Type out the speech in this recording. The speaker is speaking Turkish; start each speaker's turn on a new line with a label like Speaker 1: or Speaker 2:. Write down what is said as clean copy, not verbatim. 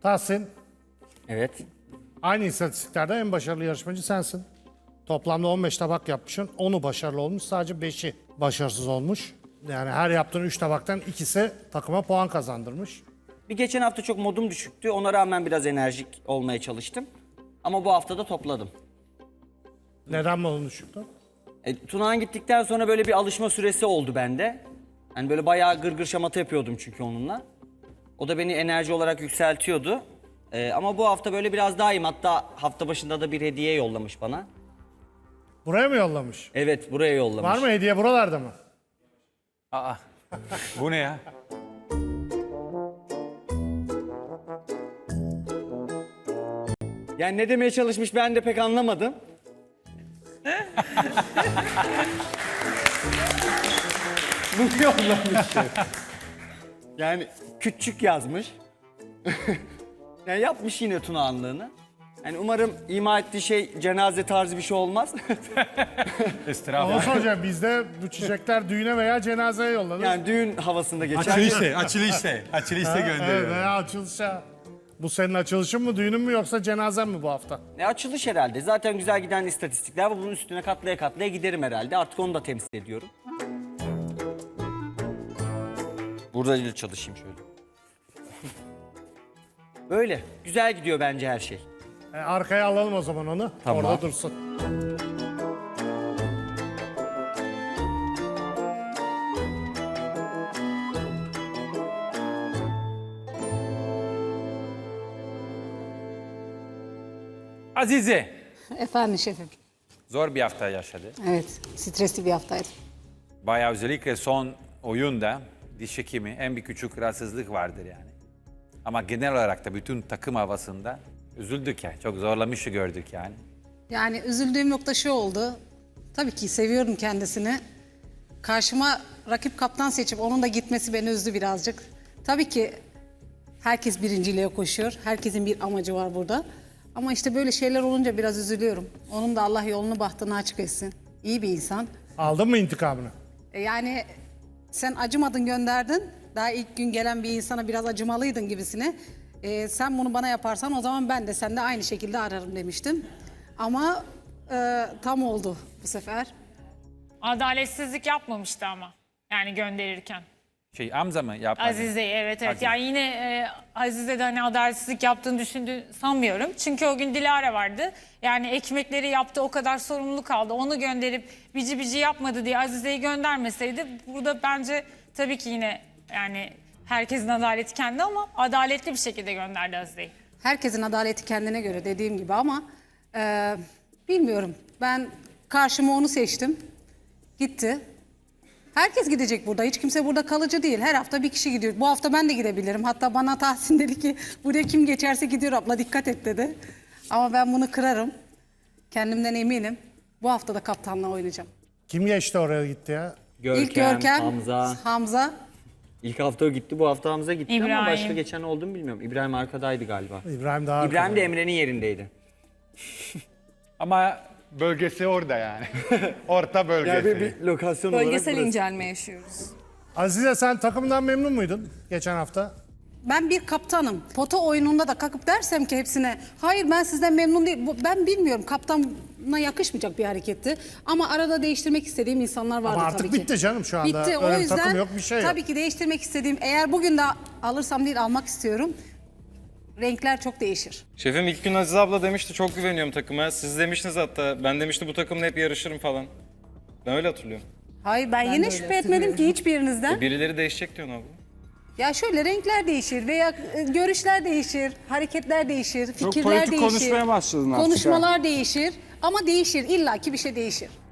Speaker 1: Tahsin,
Speaker 2: Evet.
Speaker 1: aynı istatistiklerde en başarılı yarışmacı sensin. Toplamda 15 tabak yapmışsın. 10'u başarılı olmuş, sadece 5'i başarısız olmuş. Yani her yaptığın 3 tabaktan ikisi takıma puan kazandırmış.
Speaker 2: Bir geçen hafta çok modum düşüktü. Ona rağmen biraz enerjik olmaya çalıştım. Ama bu hafta da topladım.
Speaker 1: Neden modun düşüktü?
Speaker 2: Tunağan gittikten sonra böyle bir alışma süresi oldu bende. Hani böyle bayağı gırgır şamata yapıyordum çünkü onunla. O da beni enerji olarak yükseltiyordu. Ama bu hafta böyle biraz daha iyiyim. Hatta hafta başında da bir hediye yollamış bana.
Speaker 1: Buraya mı yollamış?
Speaker 2: Evet, buraya yollamış.
Speaker 1: Var mı hediye buralarda mı?
Speaker 3: Aa, bu ne ya?
Speaker 2: Yani ne demeye çalışmış ben de pek anlamadım. Bunu yollamış. Yani küçük yazmış. Yani yapmış yine Tunağanlığını. Yani umarım ima ettiği şey cenaze tarzı bir şey olmaz.
Speaker 1: Onu soracağım. Bizde bu çiçekler düğüne veya cenazeye yollanır.
Speaker 2: Yani düğün havasında geçer.
Speaker 3: Açılışta
Speaker 1: Evet,
Speaker 3: gönderiyor.
Speaker 1: veya açılışa. Bu senin açılışın mı, düğünün mü yoksa cenazen mi bu hafta?
Speaker 2: Ne açılış herhalde. Zaten güzel giden istatistikler var. Bunun üstüne katlaya katlaya giderim herhalde. Artık onu da temsil ediyorum. Burada da çalışayım şöyle. Böyle. Güzel gidiyor bence her şey.
Speaker 1: Arkaya alalım o zaman onu.
Speaker 2: Tamam.
Speaker 1: Orada dursun.
Speaker 3: Azize,
Speaker 4: Efendim şefim.
Speaker 3: zor bir hafta yaşadı.
Speaker 4: Evet, stresli bir haftaydı.
Speaker 3: Bayağı özellikle son oyunda diş hekimi en bir küçük rahatsızlık vardır yani. Ama genel olarak da bütün takım havasında üzüldük yani. Çok zorlamışı gördük yani.
Speaker 4: Yani üzüldüğüm nokta şu oldu. Tabii ki seviyorum kendisini. Karşıma rakip kaptan seçip onun da gitmesi beni üzdü birazcık. Tabii ki herkes birinciliğe koşuyor. Herkesin bir amacı var burada. Ama işte böyle şeyler olunca biraz üzülüyorum. Onun da Allah yolunu bahtını açık etsin. İyi bir insan.
Speaker 1: Aldın mı intikamını?
Speaker 4: Yani sen acımadın gönderdin. Daha ilk gün gelen bir insana biraz acımalıydın gibisine. Sen bunu bana yaparsan o zaman ben de sende aynı şekilde ararım demiştim. Ama tam oldu bu sefer.
Speaker 5: Adaletsizlik yapmamıştı ama. Yani gönderirken.
Speaker 3: Hamza mı yapmadı?
Speaker 5: Azize'yi evet.
Speaker 3: Azize.
Speaker 5: Yani yine Azize de hani adaletsizlik yaptığını sanmıyorum. Çünkü o gün Dilara vardı. Yani ekmekleri yaptı, o kadar sorumluluk aldı. Onu gönderip bici bici yapmadı diye Azize'yi göndermeseydi burada bence tabii ki yine yani herkesin adaleti kendi ama adaletli bir şekilde gönderdi Azize'yi.
Speaker 4: Herkesin adaleti kendine göre dediğim gibi ama bilmiyorum. Ben karşıma onu seçtim. Gitti. Herkes gidecek burada. Hiç kimse burada kalıcı değil. Her hafta bir kişi gidiyor. Bu hafta ben de gidebilirim. Hatta bana Tahsin dedi ki buraya kim geçerse gidiyor abla dikkat et dedi. Ama ben bunu kırarım. Kendimden eminim. Bu hafta da kaptanla oynayacağım.
Speaker 1: Kim geçti oraya gitti ya?
Speaker 4: İlk Görkem, Hamza.
Speaker 2: İlk hafta o gitti, bu hafta Hamza gitti ama
Speaker 5: İbrahim.
Speaker 2: başka geçen oldu mu bilmiyorum. İbrahim arkadaydı galiba.
Speaker 1: İbrahim daha
Speaker 2: İbrahim
Speaker 1: arkada.
Speaker 2: de Emre'nin yerindeydi.
Speaker 3: Ama
Speaker 6: Bölgesi orada yani. Orta bölgesi.
Speaker 2: Lokasyon
Speaker 7: Bölgesel incelme yaşıyoruz.
Speaker 1: Azize, sen takımdan memnun muydun geçen hafta?
Speaker 4: Ben bir kaptanım. Pota oyununda da kalkıp dersem ki hepsine hayır ben sizden memnun değilim. Ben bilmiyorum, kaptana yakışmayacak bir hareketti. Ama arada değiştirmek istediğim insanlar vardı
Speaker 1: Ama
Speaker 4: tabii
Speaker 1: artık
Speaker 4: ki.
Speaker 1: bitti canım şu anda.
Speaker 4: Bitti, o
Speaker 1: Öyle bir
Speaker 4: yüzden
Speaker 1: takım yok, bir şey yok.
Speaker 4: tabii ki değiştirmek istediğim, eğer bugün de alırsam değil almak istiyorum. Renkler çok değişir.
Speaker 8: Şefim ilk gün Aziz abla demişti çok güveniyorum takıma. Siz demiştiniz hatta ben demişti bu takımla hep yarışırım falan. Ben öyle hatırlıyorum.
Speaker 4: Hayır ben yine şüphe etmedim ki hiçbirinizden.
Speaker 8: Birileri değişecek diyorsun abla.
Speaker 4: Ya şöyle renkler değişir veya görüşler değişir, hareketler değişir, fikirler
Speaker 6: politik
Speaker 4: değişir.
Speaker 6: konuşmaya başladın artık
Speaker 4: Konuşmalar değişir ama değişir, illaki bir şey değişir.